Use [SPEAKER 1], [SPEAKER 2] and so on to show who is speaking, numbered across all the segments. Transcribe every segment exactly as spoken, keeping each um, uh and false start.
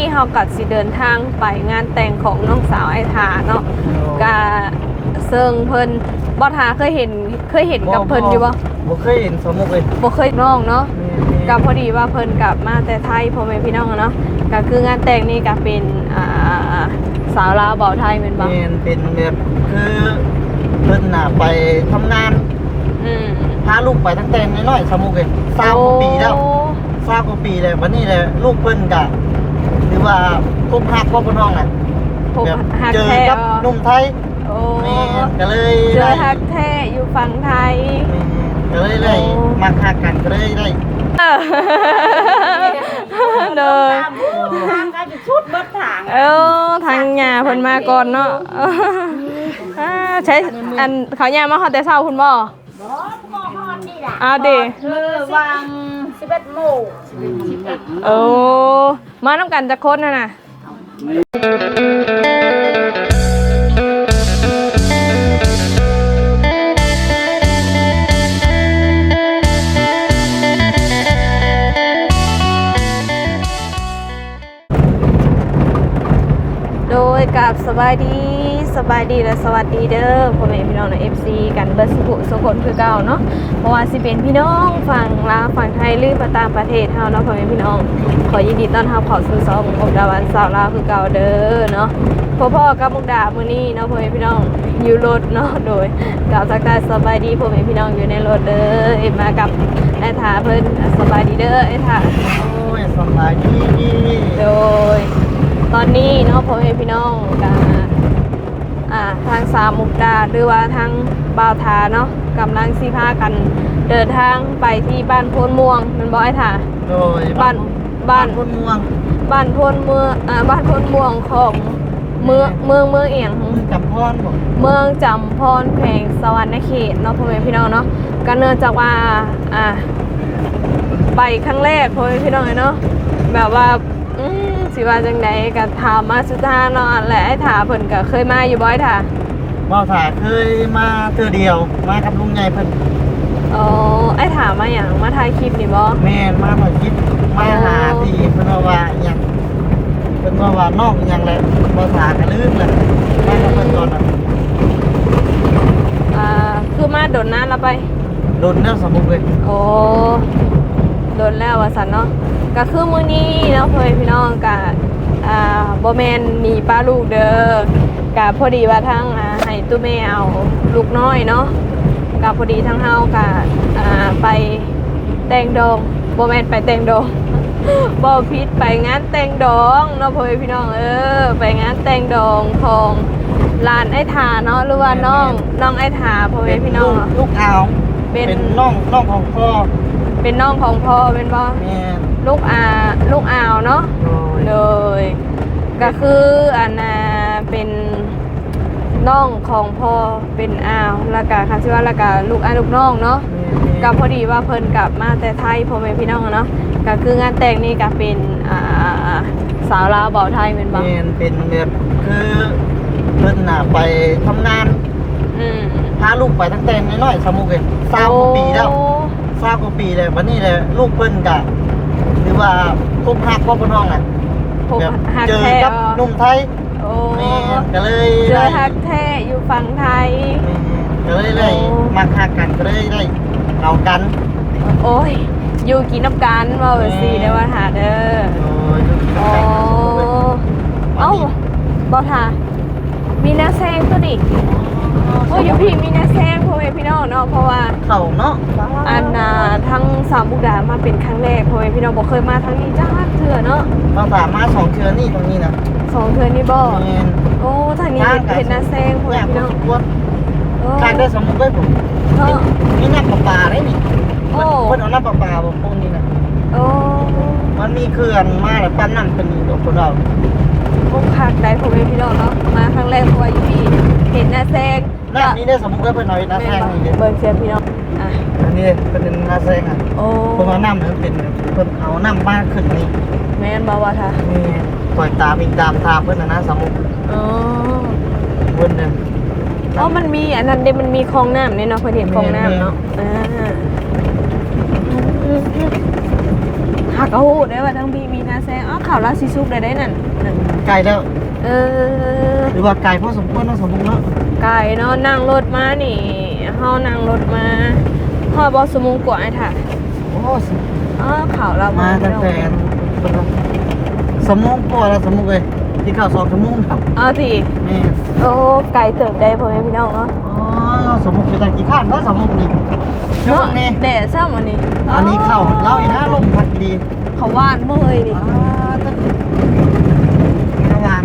[SPEAKER 1] เขากัดสิเดินทางไปงานแต่งของน้องสาวไอ้ทาเนาะกะเซิงเพิ่นบ่ทาเคยเห็นเคยเห็นกับเพิ่นอยู่บ่
[SPEAKER 2] บ่เคยเห็นสมุกเลย
[SPEAKER 1] บ่เคยน้องเนาะก็พอดีว่าเพิ่นกลับมาแต่ไทยพ่อแม่พี่น้องเนาะก็คืองานแต่งนี่ก็เป็นอ่าสาวลาวเบาไทยแม่นบ่
[SPEAKER 2] แม่นเป็นแบบคือเพิ่นน่ะไปทำงาน
[SPEAKER 1] อืม
[SPEAKER 2] พาลูกไปตั้งแต่น้อยๆสมุกเลยสามปีแล้วสามกว่าปีแล้ววันนี้แหละลูกเพิ่นก็หรือว่าพบฮักบ่เพิ่นห้องน่ะเจอกับหนุ่มไทย
[SPEAKER 1] โอ้
[SPEAKER 2] แม่ก็เลย
[SPEAKER 1] เจอฮักแท้อยู่ฝั่งไทย
[SPEAKER 2] ก็เลยได้มาฮักกันก็เลยได้
[SPEAKER 1] เด้อ
[SPEAKER 3] ทางก็จะชุดเบิดทาง
[SPEAKER 1] เออทางหญ้าเพิ่นมาก่อนเนาะใช้อันเขาหญ้ามาฮอดแต่เช้าคุณบ่
[SPEAKER 3] บ่ก็ฮอดนี่ล่ะ
[SPEAKER 1] อ้าวดิ
[SPEAKER 3] คือวางสิบเอ็ดโมง
[SPEAKER 1] โอ้มานำกันจักคนน่ะน่ะโดยกับสบายดีสบายดีและสวัสดีเด้อพ่อแม่พี่น้องใน เอฟ ซี กันเบิร์สุขุสุขนคือเก่าเนาะเพราะว่าสิเป็นพี่น้องฝั่งลาวฝั่งไทยหรือประต่างประเทศเฮาเนาะพ่อแม่พี่น้องขอยินดีต้อนรับเข้าสู่ช่องมุกดาวันสาวลาวคือเก่าเด้อเนาะพ่อๆกับมุกดามื้อนี้เนาะพ่อแม่พี่น้องอยู่รถเนาะโดยกล่าวทักทายสบายดีพ่อแม่พี่น้องอยู่ในรถเด้อเอ็มมากับไอ้ถาเพิ่นสบายดีเด้อไอ้ถา
[SPEAKER 2] โอ้ยสบายดี
[SPEAKER 1] โดยตอนนี้เนาะพ่อแม่พี่น้องกับอ่าทางสามมุกดาหรือว่าทางบ่าวทาเนาะกำลังสิพากันเดินทางไปที่บ้านโพนม่วงมันบอกไอ้ถา
[SPEAKER 2] โดย
[SPEAKER 1] บ้านบ้าน
[SPEAKER 2] โพนม่วง
[SPEAKER 1] บ้านโพนเมืองอ่าบ้านโพนม่วงของเมืองเมืองเมืองเอียง
[SPEAKER 2] จำพรบ่
[SPEAKER 1] เมืองจำพรแขวงสวรรณเขตเนาะพ่อแม่พี่น้องเนาะก็เนื่องจากว่าอ่าไปครั้งแรกพ่อแม่พี่น้องเนาะแบบว่าอืมสิว่าจังไดก็ถามมาสุดท้ายเนาะและไอ้ถาเพิ่นก็เคยมาอยู่บ่ไอ้ถา
[SPEAKER 2] บ่าวถาเคยมาเทื่อเดียวมากับลุงใหญ่เพิ่น
[SPEAKER 1] อ๋อไอ้ถามาหยังมาถ่ายคลิปนี่บ่
[SPEAKER 2] แม่นมาถ่ายคลิปมาหาที่เพิ่นว่าว่าหยังเพิ่นว่าว่าน้องหยังแหละบ่าวถาก็ลืมแหละมากับเพิ่นตอนนั้น
[SPEAKER 1] อ่าคือมาโดนน้าแล้วไป
[SPEAKER 2] โดนแล้วสมุกเลย
[SPEAKER 1] โอ้โดนแล้วว่าซั่นเนาะก็คือมื้อนี้เนาะพ่อแม่พี่น้องก็อ่าบ่แม่นมีป้าลูกเด้อก็พอดีว่าทางอ่าให้ตู้แม่เอาลูกน้อยเนาะก็พอดีทางเฮาก็อ่าไปแต่งดองบ่แม่นไปแต่งดองบ่ผิดไปงานแต่งดองเนาะพ่อแม่พี่น้องเออไปงานแต่งดองของร้านไอ้ถาเนาะหรือว่าน้องน้องไอ้ถาพ่อแม่พี่น้อง
[SPEAKER 2] ลูกอาวเป็นน้องน้องของพ่อ
[SPEAKER 1] เป็นน้องของพ่อเป็นบ่
[SPEAKER 2] แม่
[SPEAKER 1] ลูกอาลูกอาวเนาะเลยก็คืออันน่ะเป็นน้องของพ่อเป็นอาวแล้วก็ค่ะชื่อว่าแล้วก็ลูกอาลูกน้องเนาะก็พอดีว่าเพิ่นกลับมาแต่ไทยพ่อแม่พี่น้องเนาะก็คืองานแต่งนี่ก็เป็นอ่าสาวลาวเบาไทยเป็นบ่
[SPEAKER 2] แม่นเป็นแบบคือเพิ่นน่ะไปทำงาน
[SPEAKER 1] อืม
[SPEAKER 2] พาลูกไปตั้งแต่น้อยๆสมุกเลยสามกว่าปีแล้วสามกว่าปีแล้ววันนี้แหละลูกเพิ่นก็หรือว่าพบฮักบ่เพิ่นห้องน่ะ
[SPEAKER 1] แบบ
[SPEAKER 2] เจอกับหนุ่มไทย
[SPEAKER 1] โอ้
[SPEAKER 2] แม่ก็เลย
[SPEAKER 1] เจอฮักแท้อยู่ฝั่งไทย
[SPEAKER 2] ก็เลยได้มาฮักกันก็เลยได้เอากัน
[SPEAKER 1] โอ้ยอยู่กินน้ำกันว่าสิได้ว่าหาเด้อโอ้เอ้าบ่ทามีนาแซงตัวนี้โอ้ยอยู่พี่มีนาแซงพ่อแม่พี่น้องเนาะเพราะว่า
[SPEAKER 2] เขาเนาะ
[SPEAKER 1] อันน่ะทั้งสามมุกดามาเป็นครั้งแรกพ่อแม่พี่น้องบ่เคยมาทั้งนี้จ้าเถื่อเนาะ
[SPEAKER 2] เราสามารถสองเทือนี่ตรงนี้นะ
[SPEAKER 1] สองเทือนี่บ่โอ้ทางนี้เห็นนาแซงพ่อแม่พี่น้อง
[SPEAKER 2] ทางได้สมมุติว่าผมมีน้ำประปาได้นี่โอ้เพิ่นเอาน้ำประปาบ่พวกนี้นะ
[SPEAKER 1] โอ้
[SPEAKER 2] มันมีเขื่อนมาแล้วปั้นน้ำเป็นนี่พวกเรา
[SPEAKER 1] พวกคักได้พ่อแม่พี่น้องเนาะมาครั้งแรกเพราะว่าอยู่พี่เห็นนาแซง
[SPEAKER 2] น้ำนี้ได้สมมุติว่าเพิ่นเอานาแซงนี่เด้
[SPEAKER 1] เบิ่งเสียพี่น้องอ่ะ
[SPEAKER 2] อันนี้เป็นนาแซงอ่ะโอ้เพิ่นเอาน้ำนั้นเป็นเพิ่นเอาน้ำมาขึ้นนี่
[SPEAKER 1] แม่นบ่ว่าท่า
[SPEAKER 2] นี่ปล่อยตามอีกตามทางเพิ่นน่ะนะสมมุติ
[SPEAKER 1] อ๋อ
[SPEAKER 2] เพิ่นน่ะ
[SPEAKER 1] อ๋อมันมีอันนั้นเด้มันมีคลองน้ำนี่เนาะเพิ่นเห็นคลองน้ำเนาะอ่าเฮหากระหูได้ว่าทั้งบีมีนาแซงอ้าวข่าวลาซิซุกได้ได้นั่นนั่น
[SPEAKER 2] ไกลแล้ว
[SPEAKER 1] เออ
[SPEAKER 2] หรือว่าไกลพอสมควรเนาะสมมุติเนาะ
[SPEAKER 1] ไก่เนาะนั่งรถมานี่เฮานั่งรถมาฮอดบ่สมุงกว่าไอ้ถ่ะ
[SPEAKER 2] โอ้สิ
[SPEAKER 1] อ้าวข่าวเรา
[SPEAKER 2] มา
[SPEAKER 1] มา
[SPEAKER 2] ตั้งแต่สมองกว่าแล้วสมมุติเลยที่เข้าสองชั่วโมงครับ
[SPEAKER 1] เอาสิ
[SPEAKER 2] นี่
[SPEAKER 1] โอ้ไก่เติบได้พ่อแม่พี่น้องเนาะ
[SPEAKER 2] อ๋อสมมุติเป็นตะกี้ข้านเนาะสมมุตินี่ช่ว
[SPEAKER 1] เนาะ
[SPEAKER 2] งนี้
[SPEAKER 1] แดดซ้ำอันนี้
[SPEAKER 2] อันนี้เข้าเล่าอีกนะลมพัดดี
[SPEAKER 1] เขาว่านบ่เฮ้ยนี่
[SPEAKER 2] อ่าตั้งระหว่าง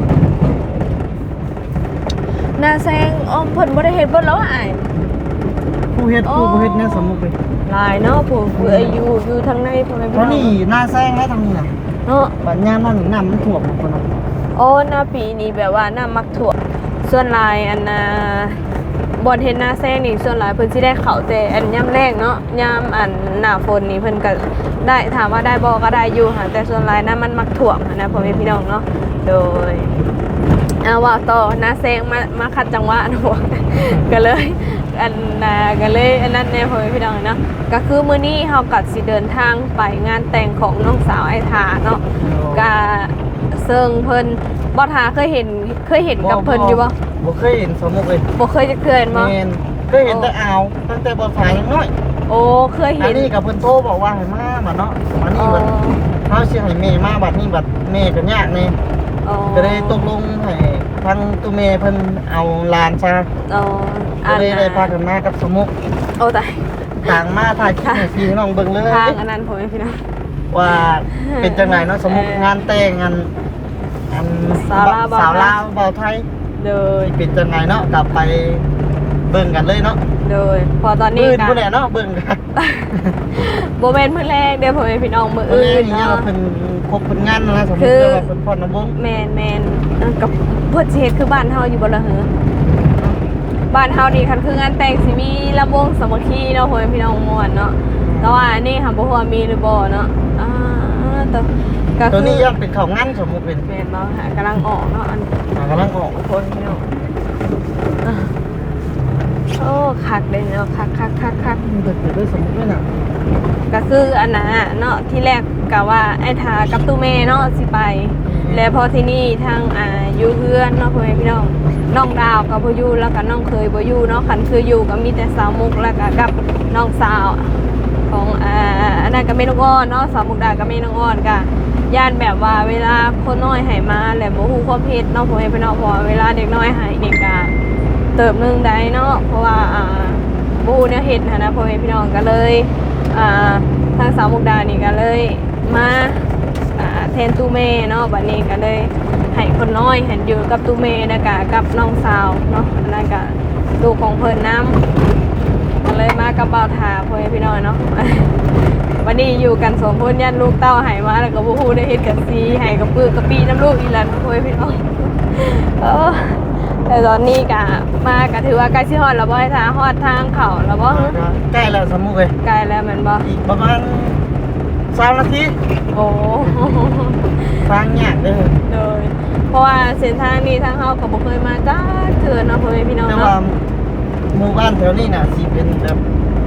[SPEAKER 1] นาแซงอ้อมเพิ่นบ่ได้เฮ็ดเบิดแล้วอ้าย
[SPEAKER 2] ผู้เฮ็ดผู้บ่เฮ็ดเนี่ยสมมุติเลย
[SPEAKER 1] หลายเนาะผู้ผู้อายุอยู่ทางในพ่อแม่พี่
[SPEAKER 2] เพ
[SPEAKER 1] น้
[SPEAKER 2] ราะ
[SPEAKER 1] อง
[SPEAKER 2] นี่หน้าแซงแล้วทางนี้น่ะ
[SPEAKER 1] เนาะ
[SPEAKER 2] บัดยามนั้นน้ำมันท่วมคนน่ะ
[SPEAKER 1] โอ้หน้าปีนี้แบบว่าน้ามักถั่วมส่วนหลายอันน่ะบ่เฮ็ดหน้าแซงนี่ส่วนหลายเพิ่นสิได้เข้าวแต่อันยามแรกเนาะยามอันหน้าฝนนี่เพิ่นก็ได้ถามว่าได้บ่ก็ได้อยู่ค่ะแต่ส่วนหลายน้ามันมักถ่วมหั้นนะพ่อแม่พี่น้องเนาะโดยเอาว่าต่อหน้าแซงมามาคัดจังหวะหนู ก็เลยอันน่ะก็เลยอันนั้นแน่พ่อแม่พี่น้องเนาะก็คือมื้อนี้เฮาก็สิเดินทางไปงานแต่งของน้องสาวไอ้ทาเนาะก็เซิงเพิ่นบ่ทาเคยเห็นเคยเห็นกับเพิ่นอยู่บ่
[SPEAKER 2] บ่เคยเห็นสมมุติเลย
[SPEAKER 1] บ่เคยจะเคยเห็นบ่
[SPEAKER 2] แม่นเคยเห็นแต่อ่าวตั้งแต่บ่ฝ่ายยังน้อย
[SPEAKER 1] โอ้เคย
[SPEAKER 2] อั
[SPEAKER 1] เห็
[SPEAKER 2] น
[SPEAKER 1] น
[SPEAKER 2] นี้กับเพิ่นโทรบอกว่าให้มาบัดเนาะอัน
[SPEAKER 1] อ๋
[SPEAKER 2] นี้
[SPEAKER 1] อ
[SPEAKER 2] บัดเฮาสิให้แม่มาบัดนี้บัดแม่ก็ยากแน่
[SPEAKER 1] อ๋อ
[SPEAKER 2] ก็เลยตกลงให้ทางตัวแม่เพิ่นเอาหลานซะ
[SPEAKER 1] อ๋อ
[SPEAKER 2] ก็เลยได้พากันมากับสมุก
[SPEAKER 1] โอ้ตาย
[SPEAKER 2] ต่างมาถ่ายคลิปให้พี่น้องเบิ่งเลย
[SPEAKER 1] ทางอันนั้นพ่อแม่พี่น้อง
[SPEAKER 2] ว่าเป็นจังไดเนาะสมุกงานแต่งงานอัน
[SPEAKER 1] สาวลาวบ่าวไทย
[SPEAKER 2] สาวลาวบ่าวไทย
[SPEAKER 1] โดย
[SPEAKER 2] เป็นจังไดเนาะกลับไปเบิ่งกันเลยเนาะ
[SPEAKER 1] โดยพอตอนนี้
[SPEAKER 2] มื้อ
[SPEAKER 1] กั
[SPEAKER 2] พุ่นแหละเนาะเบิ่งกัน
[SPEAKER 1] บ่แม่นมื้อแรกเด้อพ่อแม่พี่น้องมื้อ
[SPEAKER 2] เออ
[SPEAKER 1] อื่น
[SPEAKER 2] นี่
[SPEAKER 1] เนาะ
[SPEAKER 2] เพิ่นครบเพิ่นงานนะสมมุ
[SPEAKER 1] คื
[SPEAKER 2] ติ
[SPEAKER 1] อ
[SPEAKER 2] ว่าเพิ่นพรน้ำวง
[SPEAKER 1] แม่นแม่นเออกับเพิ่นสิเฮ็ดคือบ้านเฮาอยู่บ่ล่ะเหรอบ้านเฮานี่คันคืองานแต่งสิมีลำวงสามัคคีเนาะพ่อแม่พี่น้องม่วนเนาะแต่ว่าอันนี้ค่ะบ่ฮู้ว่ามีหรือบ่เนาะอ่าตัวก็
[SPEAKER 2] ตัว
[SPEAKER 1] คือ
[SPEAKER 2] นี้ย่อมเป็นข้าวงานสมมุติเป็น
[SPEAKER 1] แม่นบ่หากำลังออกเนาะอัน
[SPEAKER 2] อ่ากำลังออก
[SPEAKER 1] คนพี่น้องอ่ะโอ้คักเลยเนาะคักคักคักคัก
[SPEAKER 2] มันเกิดด้วยสมมุติด้วยน่ะ
[SPEAKER 1] ก็คืออันน่ะเนาะที่แรกกะว่าไอ้ทากับตู้เมเนาะสิไป แล้วพอที่นี่ทางอ่าอยู่เพื่อนเนาะพ่อแม่พี่น้องน้องดาวกับพ่อยู่แล้วก็น้องเคยบ่อยู่เนาะคันคืออยู่ก็มีแต่สาวมุกแล้วก็กับน้องสาวของอ่าอันนั้นก็แม่น้องอ้อนเนาะสาวมุกดาก็แม่น้องอ้อนก็ย่านแบบว่าเวลาคนน้อยให้มาแล้วบ่ฮู้ความเฮ็ดเนาะพ่อแม่พี่น้องเพราะว่าเวลาเด็กน้อยให้นี่ก็เติบหนึงได้เนาะเพราะว่าอ่าบ่ฮู้แนวเฮ็ดหั้นนะพ่อแม่พี่น้องก็เลยอ่าทางสาวมุกดานี่ก็เลยมาอ่าแทนตู้เมเนาะบัดนี้ก็เลยให้คนน้อยเห็นอยู่กับตู้เมแล้วก็กับน้องสาวเนาะอันนั้นก็ลูกของเพิ่นนํก็เลยมากับบ่าวทาพ่อแม่พี่น้องเนาะ วันนี้อยู่กันสองคนยันลูกเต้าหายมาแล้วก็บ่ฮู้ได้เฮ็ดกันซีหายกับปื้อกะปีน้ำลูกอีหลันพ่อแม่พี่น้อง เออแต่ตอนนี้ก็มาก็ถือว่าใกล้สิฮอดแล้วบ่ให้ทางฮอดทางเขาแล้วบ่
[SPEAKER 2] ใกล้แล้วสมมุติเลย
[SPEAKER 1] ใกล้แล้วแม่นบ่
[SPEAKER 2] อีกประมาณสามนาที
[SPEAKER 1] โอ้
[SPEAKER 2] ทางยากเด้อ
[SPEAKER 1] เลยเพราะว่าเส้นทางนี้ทางเฮาก็บ่เคยมาจ้าเทื่อเนาะพ่อแม่พี่น้อง
[SPEAKER 2] แต่ว่า
[SPEAKER 1] เนาะ
[SPEAKER 2] หมู่บ้านแถวนี้น่ะสิเป็นแบบ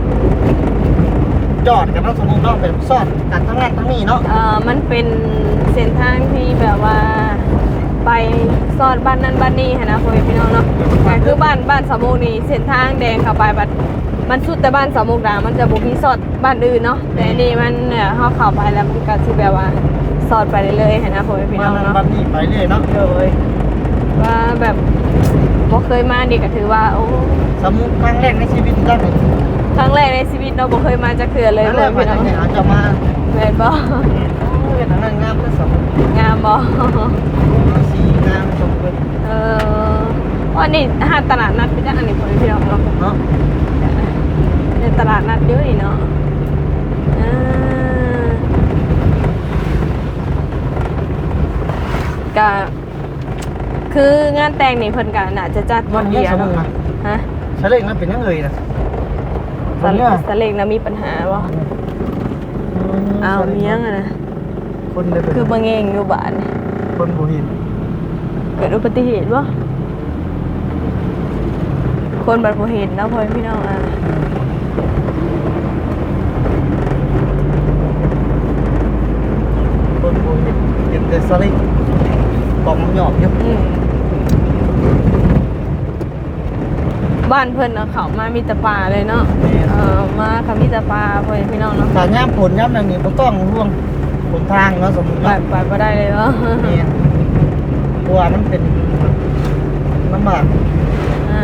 [SPEAKER 2] จอดกันเนาะสมมุติเนาะแบบซ่อนกันทั้งนั้นทั้งนี้เนาะ
[SPEAKER 1] เอ่อมันเป็นเส้นทางที่แบบว่าไปซอดบ้านนั้นบ้านนี้หั้นนะพ่อแม่พี่น้องเนาะก็คือบ้านบ้านสามมุกนี่เส้นทางแดงเข้าไปบัดมันสุดแต่บ้านสามมุกดามันจะบ่มีซอดบ้านอื่นเนาะแต่อันนี่มันเนี่ยเฮาเข้าไปแล้วมันก็สิแบบว่าซอดไปเรื่อยๆหั้นนะพ่อแม่พี่น้
[SPEAKER 2] บ้า
[SPEAKER 1] อน ง
[SPEAKER 2] นั้น
[SPEAKER 1] เนาะ
[SPEAKER 2] บ้านนี้ไปเรื่อยเนาะ
[SPEAKER 1] เลยว่าแบบบ่เคยมานี่ก็ถือว่าโอ้
[SPEAKER 2] สมมุติครั้งแรกในชีวิตได้เลย
[SPEAKER 1] ครั้งแรกในชีวิตเนาะบ่เคยมาจักเทื่อเลย
[SPEAKER 2] ครั้ง
[SPEAKER 1] พ่
[SPEAKER 2] แร
[SPEAKER 1] อก แม่
[SPEAKER 2] ไป
[SPEAKER 1] พี่น้อง
[SPEAKER 2] ทางไหนอาจจะมา
[SPEAKER 1] แม่นบ่
[SPEAKER 2] เวียดนามงามก็สมมุติ
[SPEAKER 1] งามบ่
[SPEAKER 2] สีงามสมมุติ
[SPEAKER 1] เออวันนี้หาตลาดนัดไปจ้ะอันนี้พ่อแม่พี่น้องเนาะ
[SPEAKER 2] เนาะ
[SPEAKER 1] ในตลาดนัดเยอะนี่เนาะอ่าก็คืองานแต่งนี่เพิ่นก็น่าจะจัด
[SPEAKER 2] วันนี้
[SPEAKER 1] เดียว
[SPEAKER 2] สมมุติ
[SPEAKER 1] เนาะ
[SPEAKER 2] นะ
[SPEAKER 1] ฮะ
[SPEAKER 2] เฉลงมันเป็นยังไงนะ
[SPEAKER 1] สะสะเล็งนะมีปัญหาบ่เอาวมียังอะนะ
[SPEAKER 2] คนได้เป็น
[SPEAKER 1] คือบ่เงงอยู่บ้านนี่
[SPEAKER 2] คนบ่เห็น
[SPEAKER 1] เกิดอุบัติเหตุบ่คนบัดบ่เห็นเนาะพ่อแม่พี่น้องอ่ะ
[SPEAKER 2] คนโบเห็นเห็นแต่สลิงกล่องมันหยอกอยู่
[SPEAKER 1] อืมบ้านเพิ่นเอาเขามามีแต่ปลาเลยเนาะเออมาค่ะมีแต่ปลาเพื่อนพี่น้องเนาะ
[SPEAKER 2] ถ้าย่ามผลย่ามอย่างนี้บ่ต้องห่วงผลทางเนาะสมมุติ
[SPEAKER 1] ไป
[SPEAKER 2] ว่า
[SPEAKER 1] ไปบ่ได้เลยเนาะ
[SPEAKER 2] นี่เพราะว่ามันเป็นลำบาก
[SPEAKER 1] อ่า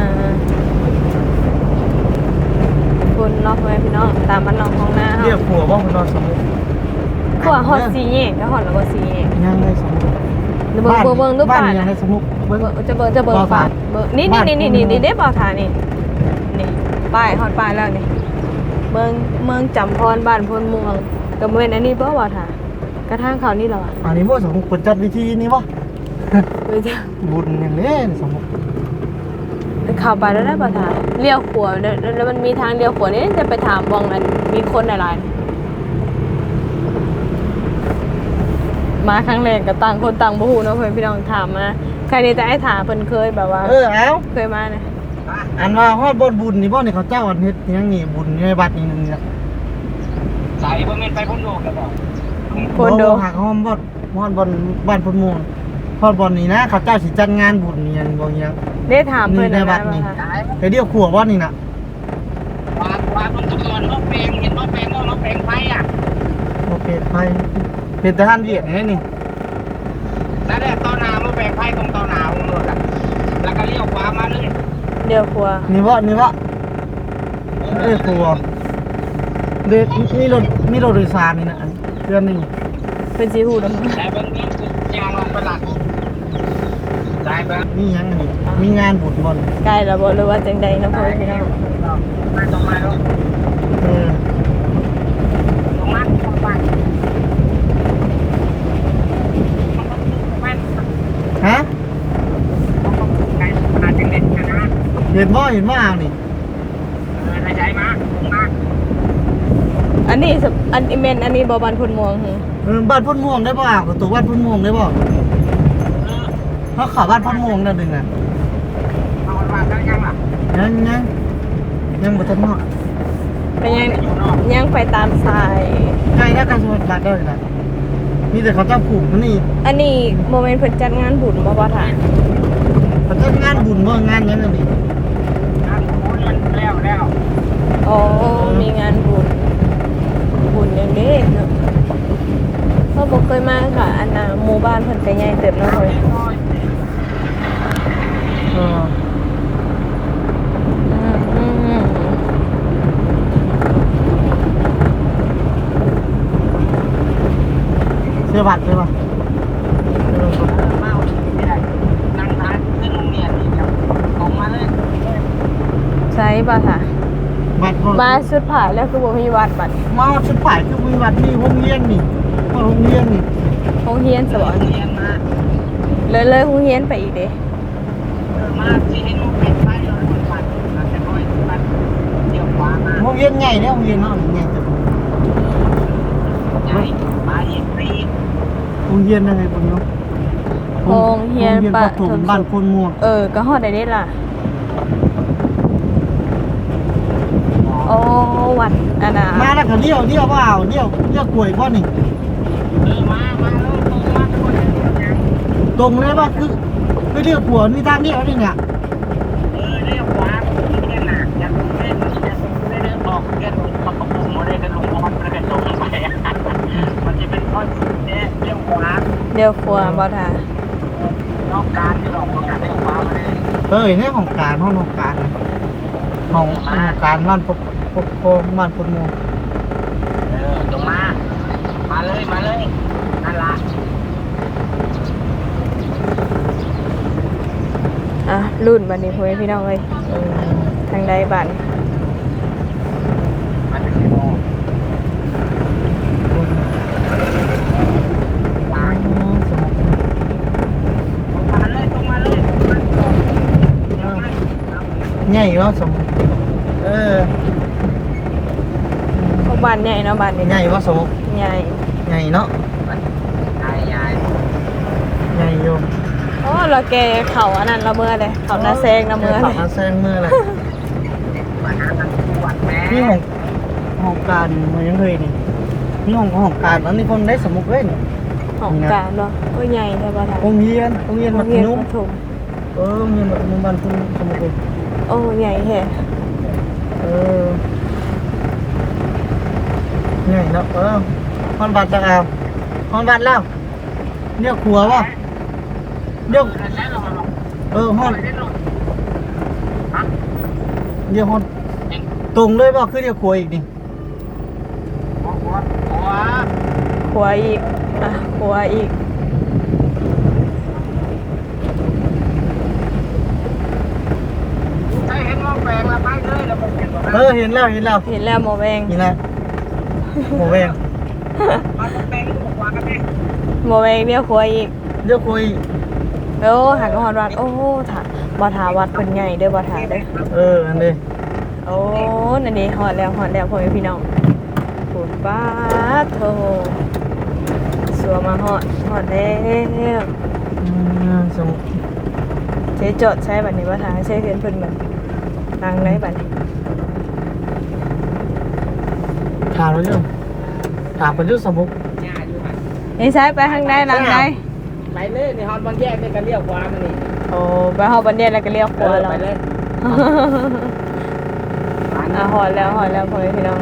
[SPEAKER 1] คุณเนาะเพื่อนพี่น้องตามบ้านนอกของหน้าเฮา
[SPEAKER 2] เรียกผัวว่าคนนอนสมมุติ
[SPEAKER 1] ขวาฮอดสีแยกก็ฮอดแล้วบ่สีแยก
[SPEAKER 2] ยังไงสมมุติ
[SPEAKER 1] เดี๋ยวเบิ่งเบิ่งเบิ่งดู
[SPEAKER 2] บ้า
[SPEAKER 1] ป่าน
[SPEAKER 2] ยัง
[SPEAKER 1] นะ
[SPEAKER 2] ไงสมมุติเบิ่ง
[SPEAKER 1] เบิ่งจะเบิ่งจะเบิ่ง
[SPEAKER 2] บ่อ
[SPEAKER 1] ป่า
[SPEAKER 2] ทาน
[SPEAKER 1] เบิ่งนี่นี่นี่นี่นี่นี่ได้บ่อทานนี่นี่ป้ายฮอดป้ายแล้วนี่เมืองเมืองจำพรบ้านพลม่วงก็เว้นอันนี้บ่บ่อทานกระทั่งเขานี่เหรอวะ
[SPEAKER 2] อันนี้บ่สมมุติเปิดจัดวิธีนี้บ่
[SPEAKER 1] เดี๋ยวจะ
[SPEAKER 2] บุญอย่างนี้สมมุติ
[SPEAKER 1] เข้าไปแล้วได้บ่อทานเลี้ยวขวาแล้วแล้วมันมีทางเลี้ยวขวานี่จะไปถามวงอันมีคนหลายๆมาครั้งแรกก็ต่างคนต่างบ่ฮู้เนาะเพิ่นพี่น้องถามมาใครนี่จะให้ถามเพิ่นเคยแบบว่า
[SPEAKER 2] เออเอา
[SPEAKER 1] เคยมานะ
[SPEAKER 2] อันว่าฮอดบ่บุญนี่บ่นี่เขาเจ้าอันเฮ็ดหยังนี่บุญอยู่ในบัดนี่นึงเนี่ย
[SPEAKER 4] สายบ่แม่นไปพุ่นโลกแล้วบ่
[SPEAKER 1] คนโด
[SPEAKER 2] หักห้อมบ่ฮอดบ่บ้านพุ่นม่วงฮอดบ่นี่นะเขาเจ้าสิจัดงานบุญนี่ยังบ่หยัง
[SPEAKER 1] ได้ถามเพิ่น
[SPEAKER 2] ใน
[SPEAKER 1] นะ
[SPEAKER 2] วั
[SPEAKER 1] ว่า
[SPEAKER 2] ดนี่
[SPEAKER 1] ค่ะ
[SPEAKER 4] สาย
[SPEAKER 2] ไปเดียวขัวบ่นี่น่ะ
[SPEAKER 4] ว่าว่าเพิ่นทุกคนบ่แปลงเห็นบ่แปลงบ่บ่แปลงไฟอ่ะ
[SPEAKER 2] โอเคไปเป็นทหารเวียดนี่นี่
[SPEAKER 4] นั่นแหละต่อหน้าบ่แปลงไฟตรงต่อหน้าของรถอ่ะแล้วก็เลี้ยวขวามาเลย
[SPEAKER 1] เดี๋ยวครัว
[SPEAKER 2] นี่บ่นี่บ่เอ้ยขัวเด็กมีรถมีรถโดยสารนี่นะอันเดือนนี้
[SPEAKER 1] เป็นสีหูดำ
[SPEAKER 4] แต่เบิ่งเบิ่งยางลงไปหลักได้เบิ่ง
[SPEAKER 2] มีหยังอันนี้มีงานบุญบ่น
[SPEAKER 1] ใกล้แล้วบ่หรือว่าจังใดเนาะเพิ่นพี่น้อง
[SPEAKER 4] มาตรงมาลง
[SPEAKER 2] เออ
[SPEAKER 4] ตรงมาตรงมามัน
[SPEAKER 2] ฮะ
[SPEAKER 4] ไกลมาจังเด็ดนะ
[SPEAKER 2] เห็นบ่เห็นบ่เอานี่
[SPEAKER 4] เออใจมามา
[SPEAKER 1] อันนี้สอันอีเมนอันนี้บ่บ้านพุ่นม่วงหึ
[SPEAKER 2] เออบ้านพุ่นม่วงได้บ่อ่ะตัวบ้านพุ่นม่วงได้บ่
[SPEAKER 4] เออ
[SPEAKER 2] เพราะเขาบ้านพุ่นม่วงนั่นนึงน่ะ
[SPEAKER 4] เอาว่าได้ยังล่ะ
[SPEAKER 2] ยังยังยังบ่ทันฮอด
[SPEAKER 1] ก็ยังยังไปตามสาย
[SPEAKER 2] ใกล้แล้วกันสมุทรปราการเลยนะมีแต่เขาเจ้าผูกมันนี่
[SPEAKER 1] อันนี้โมเมนต์เพิ่นจัดงานบุญบ่บ่ท่า
[SPEAKER 2] เขาเจ้างานบุญบ่งานหยังนั่นนี่
[SPEAKER 4] งานของมันแล้วแล้ว
[SPEAKER 1] อ๋อมีงานบุญบุญอย่างนี้เนาะเพราะบ่เคยมาค่ะอันน่ะหมู่บ้านเพิ่นก็ใหญ่เติบเนาะเพิ่น
[SPEAKER 2] เออ
[SPEAKER 1] อืมอืมอืม
[SPEAKER 2] เสียบัตรใช่ป่ะเออ
[SPEAKER 4] เมาไม่ได้นั่งทานขึ้นโรงเรียนนี่ครับตรงมาเลย
[SPEAKER 1] ใช่ป่ะค่ะ
[SPEAKER 2] บัตรบ่
[SPEAKER 1] มาสุดผ่าแล้วคือบ่มีวัดบัด
[SPEAKER 2] มาชุดฝ่ายคือมีวัดนี่โรงเรียนนี่ว่าโรงเรียนนี่
[SPEAKER 1] โรงเรียนสวรรค์
[SPEAKER 4] เรียนมา
[SPEAKER 1] เลยเลยโรงเรียนไปอีกเด้
[SPEAKER 4] เออมาที่ให้ลูกเป็นไฟเราคนปัดมาแต่น้อยปัดเดี๋ยวขวามา
[SPEAKER 2] โรงเรียนใหญ่เนี่ยโรงเรียนเนาะใหญ่จัง
[SPEAKER 4] ใหญ่มาอีกปี
[SPEAKER 2] โรงเรียนยังไงปุ่นเนาะ
[SPEAKER 1] โรงเรียน
[SPEAKER 2] โรงเรียน
[SPEAKER 1] ป
[SPEAKER 2] ประ ถมบ้านโคนม่วง
[SPEAKER 1] เออก็ฮอดได้เด้ล่ะโอ้วัดอันน่ะ
[SPEAKER 2] มาแล้วก็เลี้ยวเลี้ยวว่าเอาเลี้ยวเลี้ยวกล้วยบ่นี่
[SPEAKER 4] เออมามาแล้วตรงมาทุกคนยัง
[SPEAKER 2] ตรงเลยว่าคือไม่เลี้ยวขวานี่ทางเลี้ยวนี่เนี่ย
[SPEAKER 4] เออเรียกขวาไม่ได้หนักอย่าลงเล่นอย่าลงเล่นออกแค่ลงประกบไม่ได้กันลงบอลไม่ได้ลงไปมันจะเป็นข้อสุดเนี่ยเรียกขวา
[SPEAKER 1] เดี๋ยวครัวบ่ท่าน
[SPEAKER 4] อกการที่ออกการเรียกขวามาเลย
[SPEAKER 2] เอ้ยเนี่ยของการห้องของการของของการบ้านปกปกครองบ้านโคนม่วง
[SPEAKER 4] เออตรงมา มาเลย มาเลย นั่นละ
[SPEAKER 1] อ่ะรุ่นบัดนี้พ่อแม่พี่น้องเอ้ย
[SPEAKER 2] เออ
[SPEAKER 1] ทางใดบัด
[SPEAKER 4] มันเป็นกี่โมงตายตรงมาเลยตรงมาเลย
[SPEAKER 2] ใหญ่เนาะสมเออ
[SPEAKER 1] พวกบ้านใหญ่เนาะบ้านนี้
[SPEAKER 2] ใหญ่ว่าสม
[SPEAKER 1] ใหญ่
[SPEAKER 2] ใหญ่เนาะ
[SPEAKER 4] ยายยาย
[SPEAKER 2] ใหญ่อยู่
[SPEAKER 1] โอ้เราแกเขาอันนั้นเราเมื่อเลยเขาหน้าแซงเราเมื่อ
[SPEAKER 2] ขั
[SPEAKER 1] เล
[SPEAKER 2] บ
[SPEAKER 1] ย
[SPEAKER 2] มาแซงมือเลย
[SPEAKER 4] มาหาทางปวดแม่
[SPEAKER 2] นี่ของของการมันยังเคยนี่นี่ของของการแล้วนี่คนได้สมุกเลยนี่
[SPEAKER 1] ขของการเนาะก็ใหญ่แต่ว่าทาง
[SPEAKER 2] โรงเรียนโรงเรียนมัธยม
[SPEAKER 1] ประถม
[SPEAKER 2] เออโรงเรียนมัธยมบ้านคุณสมุทรเลย
[SPEAKER 1] โอ้ใหญ่แฮะ
[SPEAKER 2] เออใหญ่เนาะเออฮอนบัตรตะเอาฮอนบัตรแล้วเนี่ยครัววะเนี่ยเออฮอนเดี๋ยวฮอนตรงเลยป่ะคือเดี๋ยวครัวอีกดิ
[SPEAKER 1] ขัวอีกอ่ะขัวอีก
[SPEAKER 4] ใช่เห็นว่าแปลงละไปเลยแล้วผมเห็นว่า
[SPEAKER 2] เออเห็นแล้วเห็นแล้ว
[SPEAKER 1] เห็นแล้วหมอแวง
[SPEAKER 2] นี่นะหมูแวง
[SPEAKER 4] มาแปลงที่ผมวางกันเอง
[SPEAKER 1] หมอแวงเดียวขัวอีก
[SPEAKER 2] เดี๋ยวคุย
[SPEAKER 1] โอ้หักหอดวัดโอ้ถาบ่ถาวัดเพิ่นใหญ่เด้อบ่ถาเด้อ
[SPEAKER 2] เอออันนี้
[SPEAKER 1] โอ้นั่นนี่หอดแล้วหอดแล้วพ่อแม่พี่น้องปูดป้าดโถสัวมาหอดหอดแล้ว
[SPEAKER 2] อืมสมุ
[SPEAKER 1] ใช้จดใช้บัดนี้บ่ถาใช้เพื่อนเพิ่นบัดทางไหนบัดนี้
[SPEAKER 2] ถามเราเรื่องถามเป็นเรื่องสมุก
[SPEAKER 4] หญ้าอยู่หัน
[SPEAKER 1] นี่ใช้ไปทางใดทางใด
[SPEAKER 4] ไปเลยในฮอนบางแยกนี่ก็เลี้ยวขวามานี่
[SPEAKER 1] โอ้ไปหอดบันเดียแล้วก็เลี้ยวขวาแล้ว
[SPEAKER 4] ไปเลย
[SPEAKER 1] อ่ะหอดแล้วหอดแล้วพ่อแม่พี่น้อง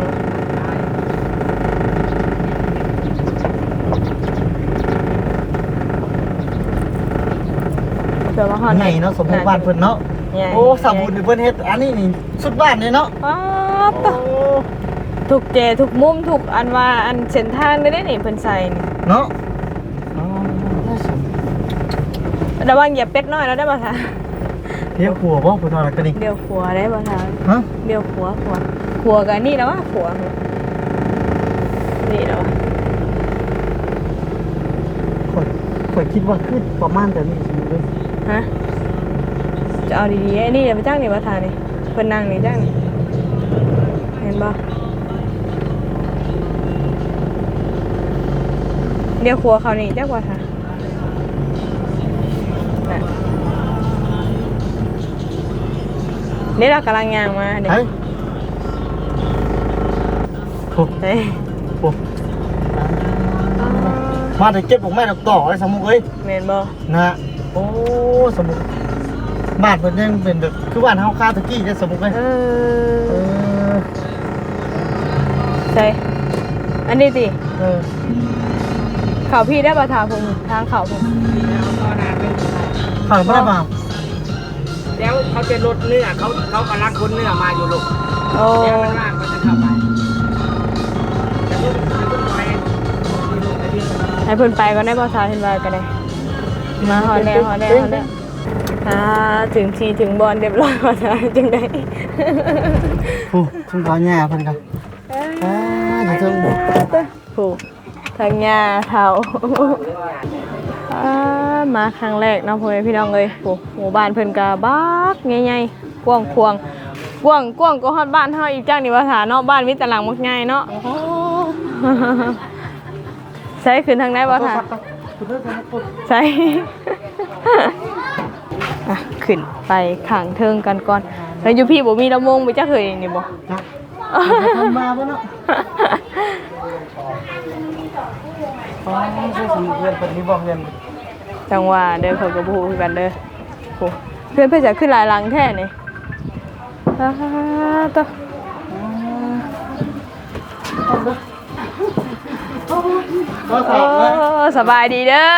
[SPEAKER 1] เดี๋ยวมาหอด
[SPEAKER 2] ไงเนาะสมุกบ้านเพิ่นเนาะ
[SPEAKER 1] ใหญ่
[SPEAKER 2] โอ้สมุกนี่เพิ่นเฮ็ดอันนี้นี่สุดบ้านเลยเนาะ
[SPEAKER 1] ป๊าบตะถูกเจถูกมุมถูกอันว่าอันเส้นทางได้ได้นี่เพิ่นใส่นี่
[SPEAKER 2] เนาะอ๋อน่าสน
[SPEAKER 1] ระวังเหยียบเป็ดน้อยแล้วได้ป่ะคะ
[SPEAKER 2] เที่ยวขัวบ่เพิ่นว่าอะไรกันนี่
[SPEAKER 1] เดี๋ยวขัวได้ป่ะคะ
[SPEAKER 2] ฮะ
[SPEAKER 1] เดี๋ยวขัวขัวขัวกันนี่แล้ววะขัวนี่แล้ววะ
[SPEAKER 2] ข่อยข่อยคิดว่าคือประมาณแต่นี้สมุกเลย
[SPEAKER 1] ฮะจะเอาดีๆไอ้นี่เดี๋ยวไปจ้างนี่ป่ะทานี่เพิ่นนั่งนี่จ้างนี่เห็นป่ะเดี๋ยวขัวเขานี่จ้างป่ะคะน่ะนี่เรากำลังย่างมาเดี๋ยว
[SPEAKER 2] เฮ้ยโอ้
[SPEAKER 1] เฮ้ย
[SPEAKER 2] โหมาแต่เก็บของแม่ดอกต่อไอ้สมุกเอ้ย
[SPEAKER 1] เมนบอ
[SPEAKER 2] นะฮะโอ้สมุกบ้านเพิ่นยังเป็นแบบคือบ้านเฮาคาตะกี้เนี่ยสมุกเอ้ย
[SPEAKER 1] เอ
[SPEAKER 2] เอ
[SPEAKER 1] อ
[SPEAKER 2] อ
[SPEAKER 1] ใช่อันนี้สิ
[SPEAKER 2] เออ
[SPEAKER 1] เขาพี่ได้ประทาผมทางเขาผม
[SPEAKER 4] เอาต่อหน้าเป็น
[SPEAKER 2] ข้าวบ่ได้เปล่า
[SPEAKER 4] แล้วเขาจะลดเนื้อเขาเขากำลังคนเนื้อมาอยู่ลูก
[SPEAKER 1] โอ้
[SPEAKER 4] เดี๋ยวมันว่างก็จะเข้าไปจะลุกจะลุกไปมีลูกไอ้ที่
[SPEAKER 1] ให้เพิ่นไปก็ได้ประทาเห็นว่าก็ได้มาหอแล้วหอแล้วหอแล้วอ่าถึงทีถึงบอลเรียบร้อยประทาจังได้
[SPEAKER 2] โอ้ทุ่งเขาหญ้าเพิ่นก็อ่าเดี๋ยวเพิ่น
[SPEAKER 1] ผูกทางยาเทาอ่ามาครั้งแรกเนาะพ่อแม่พี่น้องเลยโอ้หมู่บ้านเพิ่นกะบักใหญ่ๆกว้างควางกว้างกว้างก็ฮอดบ้านเฮาอีกจังนี่ว่าถาเนาะบ้านมีตารางมักใหญ่เนาะใช้ขึ้นทางไหนบ่ท่าใช้ อ่ะขึ้นไปข้างเทิงกันก่อนแล้วอยู่พี่บ่มีลำวงไปจักเคยนี่บ่
[SPEAKER 2] จ้ะทำมาบ่เนาะอ๋อใช่สมุกเรียนเพิ่นนี่บ่เรียน
[SPEAKER 1] จังหว่าเด้อเขาก็บ่ฮู้คือกันเด้อโอ้เพื่อนเพิ่นจะขึ้นหลายหลังแท้นี่อ่าตะ
[SPEAKER 2] ก็
[SPEAKER 1] โอ้
[SPEAKER 2] ถามว่า
[SPEAKER 1] สบายดีเด้อ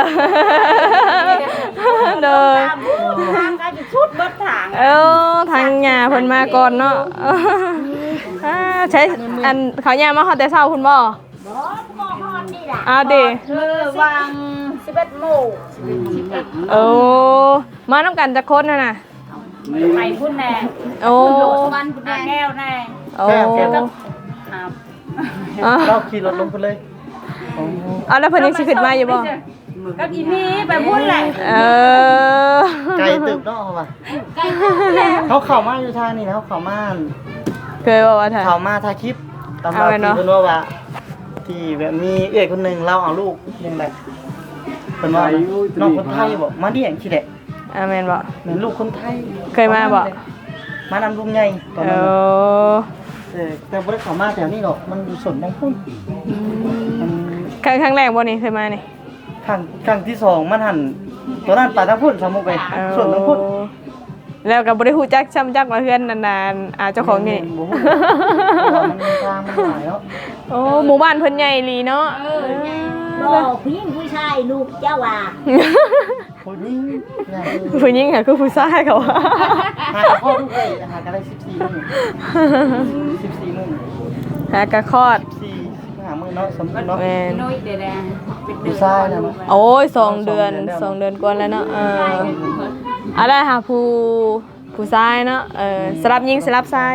[SPEAKER 1] เด้อ
[SPEAKER 3] ทางก็จะชุดเบิดทาง
[SPEAKER 1] เออทางหญ้าเพิ่นมาก่อนเนาะอ่าใช้อันเขาหญ้ามาฮอดแต่เช้าคุณบ่
[SPEAKER 3] บ่ก็ฮอดนี่ล่ะ
[SPEAKER 1] อ้าวดิ
[SPEAKER 3] เออวางสิบเอ็ดโมง
[SPEAKER 1] โอ้มานํกันจักคนน่ะน่ะ
[SPEAKER 3] ไปพุ่นแน่
[SPEAKER 1] โอ้
[SPEAKER 3] โหลดวันพุ่นแน่แก้วแน่
[SPEAKER 1] โอ้
[SPEAKER 3] ครับ
[SPEAKER 1] อ่ะ
[SPEAKER 2] เราขี่รถลงไปเลยอ๋อ
[SPEAKER 1] เอาแล้วเพิ่นยังสิขึ้นมาอยู่บ่
[SPEAKER 3] ก็อีนี่ไปพุ่นแหละ
[SPEAKER 1] เออ
[SPEAKER 2] ไกลตึกเนาะเขาว่า
[SPEAKER 3] ใกล้พุ่นแหละ
[SPEAKER 2] เขาเข้ามาอยู่ทางนี้นะเขาเข้ามา
[SPEAKER 1] เคยบอกว่าถ่าย
[SPEAKER 2] เข้ามาถ่ายคลิปตาม
[SPEAKER 1] เอา
[SPEAKER 2] เรา
[SPEAKER 1] ไว้
[SPEAKER 2] ที่
[SPEAKER 1] เนาะ
[SPEAKER 2] เพิ่นว่าว่าที่แบบมีเอื้อยคนหนึงเราเอาลูกยังไงเพิ่นว่าน้องคนไทยบอกมาเลี้ยงขี้แหละ
[SPEAKER 1] อาเมนบอก
[SPEAKER 2] เหมือนลูกคนไทย
[SPEAKER 1] เคยมาบ่
[SPEAKER 2] มานำลุงใหญ่ตอน
[SPEAKER 1] เอ
[SPEAKER 2] นั้นน่ะ
[SPEAKER 1] อ
[SPEAKER 2] เออแต่บ่ได้เข้ามาแถวนี้หรอกมันอยู่สวนบางพุ่นมัน
[SPEAKER 1] ครั้งครั้งแรกบ่นี่เคยมานี่
[SPEAKER 2] คครั้งครั้งที่สองมันหันตัวนั้นไปทางพุ่นสมุกไปส่วนทางพุ่น
[SPEAKER 1] แล้วก็บ่ได้ฮู้จักช้ำจักว่าเฮือนนานๆอ่าเจ้าของนี่
[SPEAKER 2] บ่ฮู้เพราะว่ามันทางมันหลายเนาะ
[SPEAKER 1] โอ้หมู่บ้านเพิ่นใหญ่อีหลีเนาะ
[SPEAKER 5] บ่ผู้หญิงผู้ชายลูกเจ้าว่า
[SPEAKER 2] โอ้ยง่าย
[SPEAKER 1] ผู้หญิงค่ะคือผู้ชายเขาว่า
[SPEAKER 2] หากับพ่อทุกเลยหากันได้สิบสี่มื้อสิบสี่มื้อ
[SPEAKER 1] หากะคลอด
[SPEAKER 2] สี่สิบห้ามื้อเนาะสมมุติเนาะ
[SPEAKER 1] แม่น
[SPEAKER 3] น้อยเดี๋ยวนะเป็นเดื
[SPEAKER 2] ผู้
[SPEAKER 3] อน
[SPEAKER 2] ชายนะเนาะ
[SPEAKER 1] โอ้ยสองเดือนสองเดือนกว่าแล้วเนาะเอออะไรค่ะผู้ผู้ชายเนาะเออสลับหญิงสลับชาย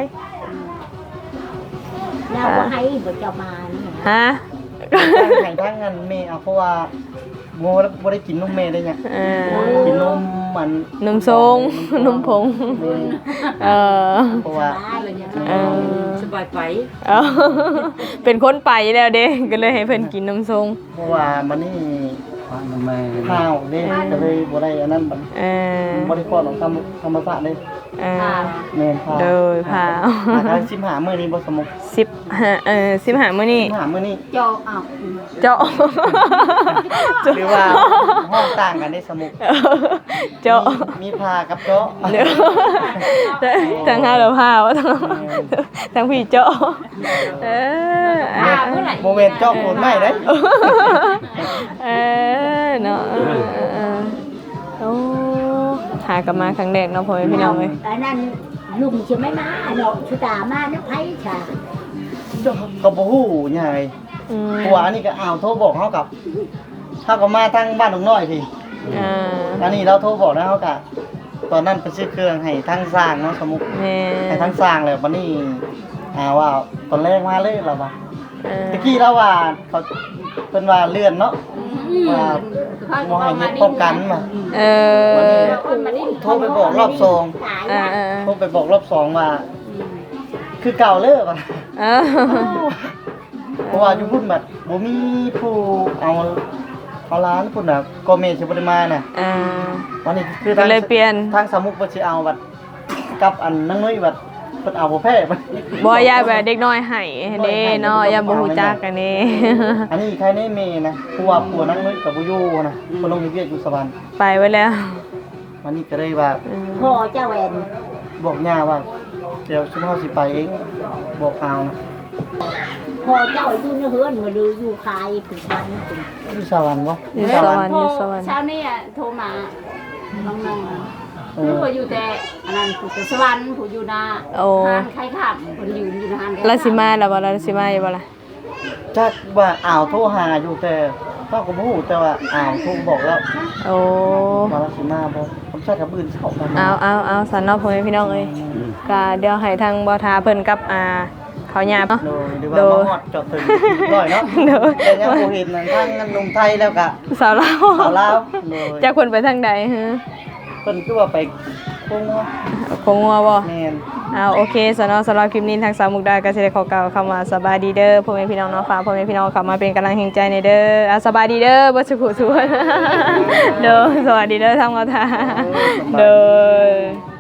[SPEAKER 5] เราบ่ให้บ่เจ้ามานี่
[SPEAKER 1] ฮะ
[SPEAKER 2] ทางทางนั้นแม่เอาเพราะว่าโง่แล้วบ่ได้กินนมแม่ได้เนี่ย
[SPEAKER 1] เออ
[SPEAKER 2] กินนมมัน
[SPEAKER 1] นมทรงนมผงเออ
[SPEAKER 2] เพราะว่า
[SPEAKER 1] เออ
[SPEAKER 3] สบายไป
[SPEAKER 1] เอาเป็นคนไปแล้วเด้ก็เลยให้เพิ่นกินนมทรง
[SPEAKER 2] เพราะว่ามันนี่ข้าวเด้ก็เลยบ่ได้อันนั้นบัด
[SPEAKER 1] เออ
[SPEAKER 2] บ่ได้คลอดของธรรมธรรมชาติเด้
[SPEAKER 1] เออ
[SPEAKER 2] แม่นพา
[SPEAKER 1] โดยพา
[SPEAKER 2] หาได้สิบห้ามื้อนี้บ่สมุก
[SPEAKER 1] สิบห้าเออสิบห้ามื้อนี้
[SPEAKER 2] สิบห้ามื้อนี้
[SPEAKER 3] เจาะอ้าว
[SPEAKER 1] เจาะ
[SPEAKER 2] หรือว่าห้องต่างกันได้สมุก
[SPEAKER 1] เจาะ
[SPEAKER 2] มีพากับเจาะ
[SPEAKER 1] เดี๋ยวทั้งห้าหรือห้า วะทั้งทั้งพี่เจาะเออ
[SPEAKER 2] โมเมนต์เจาะโคนไม่ได้
[SPEAKER 1] เออเนาะเออเออเออโอ้หากลับมาครั้งแรกเนาะพ่อแม่พี่น้องเอ้ย
[SPEAKER 5] อันนั้นลุงสิไม่มาเนาะชุตามานะไผค่ะ
[SPEAKER 2] ก็บ่ฮู้ใหญ่
[SPEAKER 1] อืม
[SPEAKER 2] ผัวอันนี้ก็อ้าวโทรบอกเฮากับเฮาก็มาทางบ้านหนองน้อยพี่
[SPEAKER 1] อ่า
[SPEAKER 2] อันนี้เราโทรบอกแล้วเฮาก็ตอนนั้นไปซื้อเครื่องให้ทางสร้างเนาะสมุก
[SPEAKER 1] แม่
[SPEAKER 2] ให้ทางสร้างแล้วบัดนี้อ่าว่าตอนแรกมาเลยเราว่า
[SPEAKER 1] เออ
[SPEAKER 2] ตะกี้แล้วว่าเขาเพิ่นว่าเลื่อนเนาะว่าบ่ให้เฮ็ดพร้อมกันมา
[SPEAKER 1] เอ
[SPEAKER 2] วัน
[SPEAKER 1] อ
[SPEAKER 2] นี้โทรไปบอกรอบสอง
[SPEAKER 1] อ่าอ่า
[SPEAKER 2] โทรไปบอกรอบสองว่า คือเก่าเลิกอ่ะ
[SPEAKER 1] เออ
[SPEAKER 2] เพราะว่าอยู่พุ่นแบบบ่มีผู้เอาเอาร้านพุ่นน่ะก็เมสิบ่ได้มาน่ะ
[SPEAKER 1] อ่า
[SPEAKER 2] วันนี้คือ
[SPEAKER 1] ก็
[SPEAKER 2] ทาง
[SPEAKER 1] เลยเปลี่ยน
[SPEAKER 2] ทางสามุกเพิ่นสิเอาบัดกับอันนังน้อยบัดเพิ่นเอาบ่แพ้บัด
[SPEAKER 1] บ่ยายแบบเด็กน้อยให้เด้เนาะอย่าบ่ฮู้จักกันนี่
[SPEAKER 2] อันนี้ใครในเมนะเพราะว่าผัวนังน้อยก็บ่อยู่นะเพิ่นลงเวียกอยู่สวรรค์
[SPEAKER 1] ไปไว้แล้ว
[SPEAKER 2] วันนี้ก็เลยว่า
[SPEAKER 1] อืม
[SPEAKER 5] พ่อเจ้าแหวน
[SPEAKER 2] บอกย่าว่าเดี๋ยวชุมเฮาสิไปเองบอกเอานะ
[SPEAKER 5] พ่อเจ้าอยู่ในเฮือนบ่ดูอยู่คายถึงวันถึง
[SPEAKER 2] อยู่สวรรค์บ่
[SPEAKER 1] อยู่สวรรค์อยู่สวรรค์
[SPEAKER 3] เช้านี้อ่ะโทรมาน้องๆอ่ะ
[SPEAKER 2] เอ
[SPEAKER 3] ผู้
[SPEAKER 2] อ
[SPEAKER 3] ก็อยู่แต่อันนั้นผู้แต่สวรรค์ผู้อยู่นา
[SPEAKER 1] โอ้
[SPEAKER 3] หานใครขับคนยืนอยู่ในหาน
[SPEAKER 1] ลาสิมาแล้วบ่ลาสิมาอยู่บ่ล่ะ
[SPEAKER 2] จักว่าอ้าวโทรหาอยู่แต่เฮาก็บ่ฮู้แต่ว่าอ้าวโทรบอกแล้ว
[SPEAKER 1] โอ้
[SPEAKER 2] มาแล้วสิมาบ่ผมใช้กับอื่นเข้ากัน
[SPEAKER 1] เอาเอาเอาสันเนาะพ่อแม่พี่น้องเอ้ยก็เดี๋ยวให้ทางบ่ทาเพิ่นกับอ่าเขาหยาบเนาะ
[SPEAKER 2] โดยหรือว่ามาฮอดจอดถึงร้อยเนาะ
[SPEAKER 1] โดย
[SPEAKER 2] แต่ยังบ่เห็นนั่นทางนั้นลงไทยแล้วก็
[SPEAKER 1] สาวลาว
[SPEAKER 2] สาวลาวโดย
[SPEAKER 1] จักเพิ่นไปทางใดฮะ
[SPEAKER 2] เพิ่นคือว่าไปโคงว่า
[SPEAKER 1] คงงัวบ่
[SPEAKER 2] แม่น
[SPEAKER 1] เอาโอเคสนอสำหรับคลิปนี้ทางสาวมุกดาก็สิได้ขอกล่าวคำว่าสบายดีเด้อพ่อแม่พี่น้องเนาะฝากพ่อแม่พี่น้องเข้ามาเป็นกำลังแห่งใจในเด้ออ่ะสบายดีเด้อบ่สุขสุข เด้อสวัสดีเด้อทางบ่ทาเด้อ